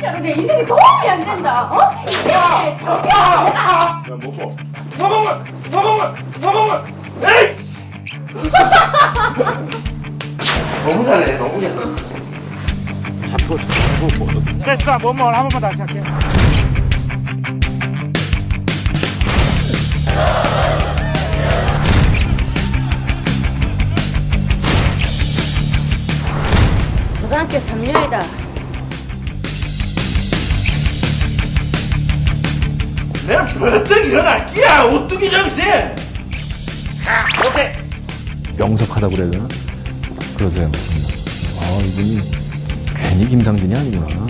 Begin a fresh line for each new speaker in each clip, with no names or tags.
진짜로 내 인생에 도움이 안 된다. 어? 이게 저게
야, 먹어. 에이씨!
너무 잘해, 너무 잘해.
됐어, 뭐뭐 한 번만 다시 할게.
초등학교 3년이다.
내가 버뜩 일어날 끼야, 오뚜기 정신! 오케이.
명석하다고 그래야 되나? 그러세요, 정말. 아, 이분이 괜히 김상진이 아니구나.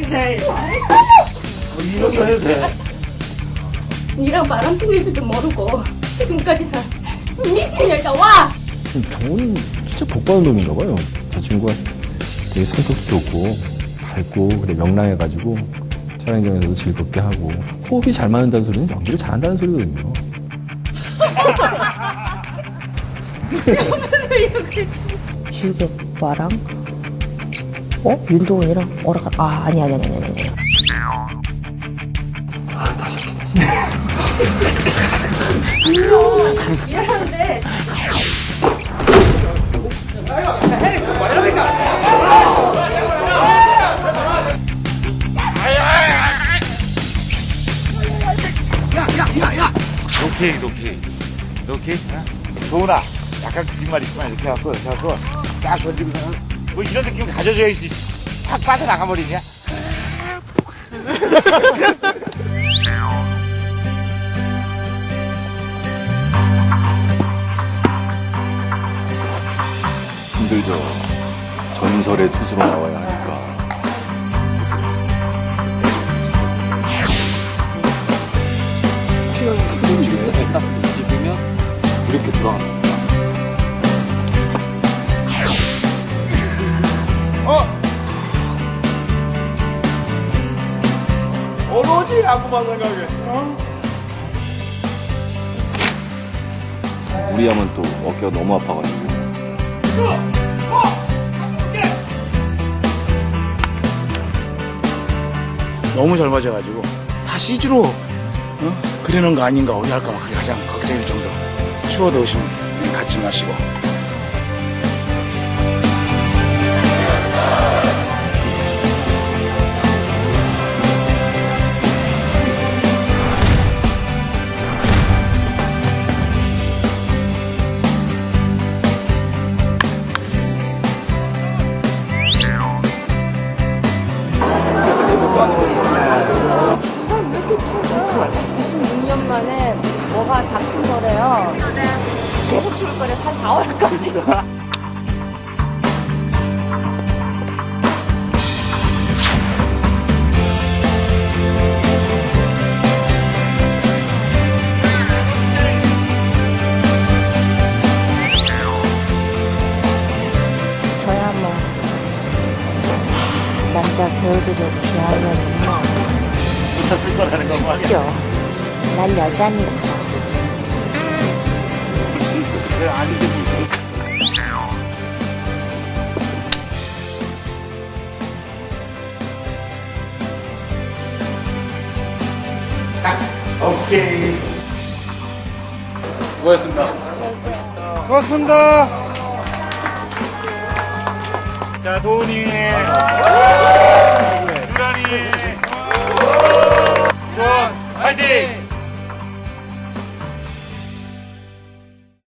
이런 거 해도 돼.
니랑 바람둥일 줄도 모르고 지금까지 산 미친 여자 와!
저는 진짜 복받은 놈인가 봐요. 저 친구가 되게 성격도 좋고 밝고 그래 명랑해가지고 촬영장에서도 즐겁게 하고 호흡이 잘 맞는다는 소리는 연기를 잘한다는 소리거든요.
지우개 오빠랑 윤동훈이랑 오락가 아니.
미안한데
오케이. 도훈아, 약간 거짓말 있지만 이렇게 해갖고 딱 던지고서는 뭐 이런 느낌 가져줘야지. 확 빠져나가버리냐?
힘들죠. 전설의 투수로 나와야 하니까. 시간이 딱 뒤집으면 이렇게 돌아가는 거야.
오로지 야구만 생각해.
우리 하면 또 어깨가 너무 아파가지고.
너무 잘 맞아가지고 다 CG로 그리는 거 아닌가 어디 할까 봐 그게 가장 걱정일 정도. 추워도 오시면 갖지 마시고.
왜 이렇게 추워? 96년 만에 뭐가 닥친 거래요. 계속 추울 거래 한 4월까지.
저야 뭐 남자 배우들을 좋아하면은요
붙였을 거라는 거 말이야.
죽죠. 난 여자니까.
그래, 아니지. 딱, 오케이.
수고하셨습니다. 수고하셨습니다. 자, 도훈이. 유란이. 도훈, 화이팅!